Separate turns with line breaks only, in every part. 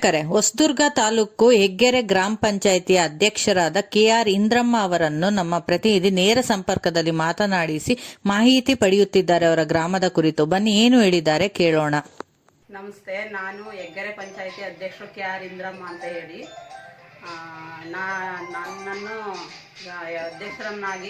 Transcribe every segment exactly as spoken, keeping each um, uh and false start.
ವೀಕ್ಷಕರೇ, ಹೊಸದುರ್ಗ ತಾಲೂಕು ಹೆಗ್ಗೆರೆ ಗ್ರಾಮ ಪಂಚಾಯಿತಿಯ ಅಧ್ಯಕ್ಷರಾದ ಕೆ ಆರ್ ಇಂದ್ರಮ್ಮ ಅವರನ್ನು ನಮ್ಮ ಪ್ರತಿನಿಧಿ ನೇರ ಸಂಪರ್ಕದಲ್ಲಿ ಮಾತನಾಡಿಸಿ ಮಾಹಿತಿ ಪಡೆಯುತ್ತಿದ್ದಾರೆ ಅವರ ಗ್ರಾಮದ ಕುರಿತು. ಬನ್ನಿ ಏನು ಹೇಳಿದ್ದಾರೆ ಕೇಳೋಣ.
ನಮಸ್ತೆ, ನಾನು ಹೆಗ್ಗೆರೆ ಪಂಚಾಯಿತಿ ಅಧ್ಯಕ್ಷರು ಕೆ ಆರ್ ಇಂದ್ರಮ್ಮ ಅಂತ ಹೇಳಿ. ನನ್ನನ್ನು ಅಧ್ಯಕ್ಷರನ್ನಾಗಿ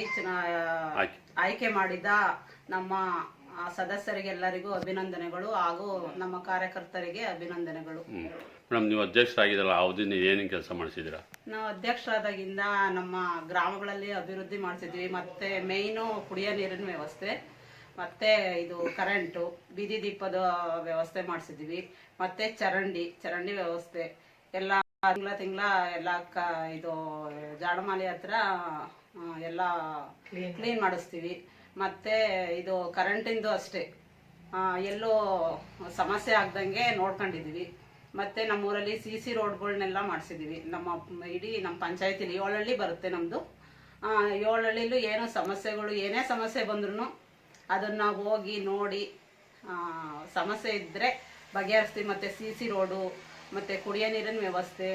ಆಯ್ಕೆ ಮಾಡಿದ ನಮ್ಮ ಸದಸ್ಯರಿಗೆಲ್ಲರಿಗೂ ಅಭಿನಂದನೆಗಳು ಹಾಗೂ ನಮ್ಮ ಕಾರ್ಯಕರ್ತರಿಗೆ ಅಭಿನಂದನೆಗಳು.
ಮೇಡಮ್, ನೀವು ಅಧ್ಯಕ್ಷರಾಗಿದ್ದಲ್ಲ, ಅವಧಿನ ಏನೇನು ಕೆಲಸ ಮಾಡಿಸಿದ್ದೀರಾ?
ನಾವು ಅಧ್ಯಕ್ಷರಾದಾಗಿಂದ ನಮ್ಮ ಗ್ರಾಮಗಳಲ್ಲಿ ಅಭಿವೃದ್ಧಿ ಮಾಡಿಸಿದ್ವಿ. ಮತ್ತೆ ಮೇಯ್ನು ಕುಡಿಯೋ ನೀರಿನ ವ್ಯವಸ್ಥೆ, ಮತ್ತೆ ಇದು ಕರೆಂಟು, ಬೀದಿ ದೀಪದ ವ್ಯವಸ್ಥೆ ಮಾಡಿಸಿದ್ವಿ. ಮತ್ತೆ ಚರಂಡಿ ಚರಂಡಿ ವ್ಯವಸ್ಥೆ ಎಲ್ಲ ತಿಂಗಳ ತಿಂಗಳ ಎಲ್ಲ ಕ ಇದು ಜಾಡಮಾಲಿ ಹತ್ರ ಎಲ್ಲ ಕ್ಲೀನ್ ಮಾಡಿಸ್ತೀವಿ. ಮತ್ತೆ ಇದು ಕರೆಂಟಿಂದು ಅಷ್ಟೇ ಎಲ್ಲೋ ಸಮಸ್ಯೆ ಆಗ್ದಂಗೆ ನೋಡ್ಕೊಂಡಿದ್ದೀವಿ. ಮತ್ತೆ ನಮ್ಮೂರಲ್ಲಿ ಸಿ ಸಿ ರೋಡ್ಗಳನ್ನೆಲ್ಲ ಮಾಡಿಸಿದ್ದೀವಿ. ನಮ್ಮ ಇಡೀ ನಮ್ಮ ಪಂಚಾಯತಿಲಿ ಏಳಹಳ್ಳಿ ಬರುತ್ತೆ ನಮ್ಮದು. ಏಳಹಳ್ಳಿಲೂ ಏನೋ ಸಮಸ್ಯೆಗಳು ಏನೇ ಸಮಸ್ಯೆ ಬಂದ್ರೂ ಅದನ್ನು ಹೋಗಿ ನೋಡಿ ಸಮಸ್ಯೆ ಇದ್ದರೆ ಬಗೆಹರಿಸ್ತೀವಿ. ಮತ್ತು ಸಿ ಸಿ ರೋಡು, ಮತ್ತು ಕುಡಿಯೋ ನೀರಿನ ವ್ಯವಸ್ಥೆ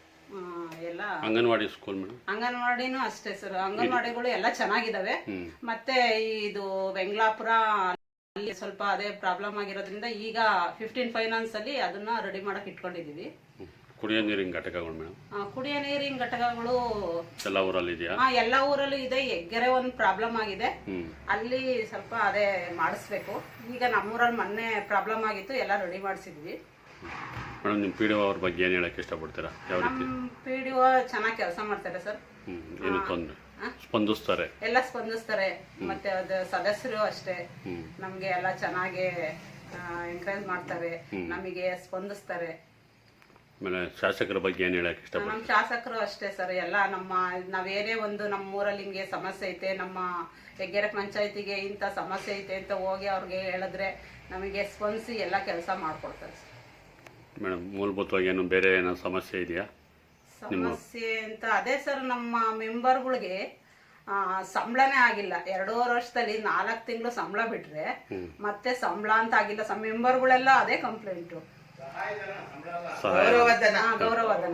ಎಲ್ಲ.
ಅಂಗನವಾಡಿ ಸ್ಕೂಲ್
ಅಂಗನವಾಡಿನೂ ಅಷ್ಟೇ ಸರ್, ಅಂಗನವಾಡಿಗಳು ಎಲ್ಲ ಚೆನ್ನಾಗಿದ್ದಾವೆ. ಮತ್ತೆ ಇದು ವೆಂಗ್ಲಾಪುರ ಅಲ್ಲಿ ಸ್ವಲ್ಪ ಅದೇ ಪ್ರಾಬ್ಲಮ್ ಆಗಿರೋದ್ರಿಂದ ಈಗ ಫಿಫ್ಟೀನ್ ಫೈನಾನ್ಸ್ ಅಲ್ಲಿ ಅದನ್ನ ರೆಡಿ ಮಾಡಕ್ ಇಟ್ಕೊಂಡಿದೀವಿ.
ಕುಡಿಯೋ ನೀರಿನ ಘಟಕಗಳು ಮೇಡಮ್?
ಕುಡಿಯೋ ನೀರಿನ ಘಟಕಗಳು
ಎಲ್ಲ ಊರಲ್ಲಿ ಇದೆಯಾ?
ಹಾ, ಎಲ್ಲ ಊರಲ್ಲೂ ಇದೆ. ಹೆಗ್ಗೆರೆ ಒಂದು ಪ್ರಾಬ್ಲಮ್ ಆಗಿದೆ, ಅಲ್ಲಿ ಸ್ವಲ್ಪ ಅದೇ ಮಾಡಿಸ್ಬೇಕು. ಈಗ ನಮ್ಮೂರಲ್ಲಿ ಮೊನ್ನೆ ಪ್ರಾಬ್ಲಮ್ ಆಗಿತ್ತು, ಎಲ್ಲ ರೆಡಿ ಮಾಡಿಸಿದ್ವಿ.
ಮೇಡಮ್, ನಿಮ್ಮ ಪಿ ಡಿ ಒ ಅವ್ರ ಬಗ್ಗೆ ಏನು ಹೇಳಕ್ಕೆ ಇಷ್ಟಪಡ್ತೀರಾ? ಯಾವ ರೀತಿ?
ಪಿ ಡಿ ಒ ಚೆನ್ನಾಗಿ ಕೆಲಸ ಮಾಡ್ತಾರೆ ಸರ್.
ಏನು ತೊಂದರೆ? ಸ್ಪಂದಿಸ್ತಾರೆ,
ಎಲ್ಲ ಸ್ಪಂದಿಸ್ತಾರೆ. ಮತ್ತೆ ಅದು ಸದಸ್ಯರು ಅಷ್ಟೇ ನಮ್ಗೆ ಎಲ್ಲ ಚೆನ್ನಾಗಿ ಎಂಕರೇಜ್ ಮಾಡ್ತಾರೆ, ನಮಗೆ ಸ್ಪಂದಿಸ್ತಾರೆ.
ಆಮೇಲೆ ಶಾಸಕರ ಬಗ್ಗೆ ಏನು ಹೇಳಕ್ಕೆ ಇಷ್ಟಪಡ್ತೀರಾ?
ನಮ್ಮ ಶಾಸಕರು ಅಷ್ಟೇ ಸರ್, ಎಲ್ಲ ನಮ್ಮ ನಾವೇನೇ ಒಂದು ನಮ್ಮ ಊರಲ್ಲಿ ಹಿಂಗೆ ಸಮಸ್ಯೆ ಐತೆ, ನಮ್ಮ ಹೆಗ್ಗೆರೆ ಪಂಚಾಯತಿಗೆ ಇಂಥ ಸಮಸ್ಯೆ ಐತೆ ಅಂತ ಹೋಗಿ ಅವ್ರಿಗೆ ಹೇಳಿದ್ರೆ ನಮಗೆ ಸ್ಪಂದಿಸಿ ಎಲ್ಲ ಕೆಲಸ ಮಾಡ್ಕೊಡ್ತಾರೆ ಸರ್.
ಮೇಡಮ್, ಮೂಲಭೂತವಾಗಿ ಏನು ಬೇರೆ ಏನೋ ಸಮಸ್ಯೆ ಇದೆಯಾ?
ಸಮಸ್ಯೆ ಅಂತ ಅದೇ ಸರ್, ನಮ್ಮ ಮೆಂಬರ್ಗಳಿಗೆ ಸಂಬಳನೇ ಆಗಿಲ್ಲ. ಎರಡೂವರೆ ವರ್ಷದಲ್ಲಿ ನಾಲ್ಕು ತಿಂಗಳು ಸಂಬಳ ಬಿಟ್ರೆ ಮತ್ತೆ ಸಂಬಳ ಅಂತ ಆಗಿಲ್ಲ. ಸಮ್ ಮೆಂಬರ್ಗಳೆಲ್ಲ ಅದೇ ಕಂಪ್ಲೇಂಟು, ಗೌರವಧನ ಗೌರವಧನ.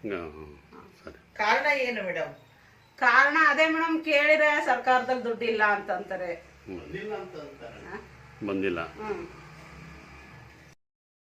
ಕಾರಣ ಏನು ಮೇಡಮ್?
ಕಾರಣ ಅದೇ ಮೇಡಮ್, ಕೇಳಿದ್ರೆ ಸರ್ಕಾರದಲ್ಲಿ ದುಡ್ಡಿಲ್ಲ ಅಂತಂತಾರೆ,
ಬಂದಿಲ್ಲ.
ಹ್ಮ್